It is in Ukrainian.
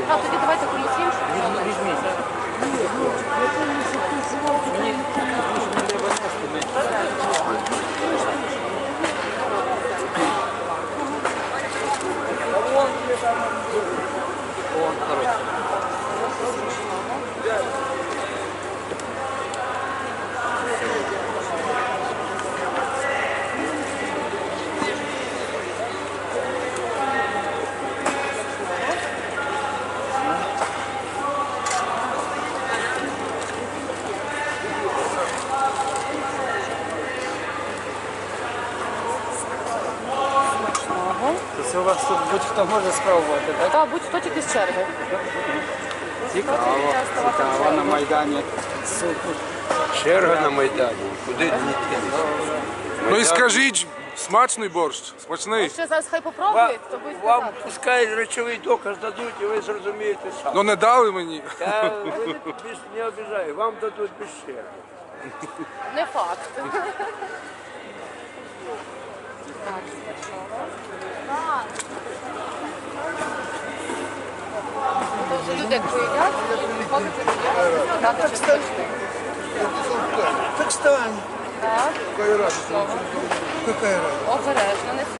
А, тоді давайте комусь іншому. Візьміть. Мені не треба нести. Вон, коротше. Це у вас тут будь-хто може спробувати, так? Так, будь-хто тільки з черги. Цікаво на Майдані. Черга на Майдані. Куди дійти? Ну і скажіть, смачний борщ? Смачний? Ще зараз хай попробують, то будуть Вам сказати. пускай речовий доказ дадуть, і ви зрозумієте сам. Ну не дали мені. Та ви більш не обіжаю, вам дадуть без черги. Не факт. То вже люди як поїдять, ходите туди, дати чи смачний. Так стань. Так, Какая разница? Какая разница? обережно, не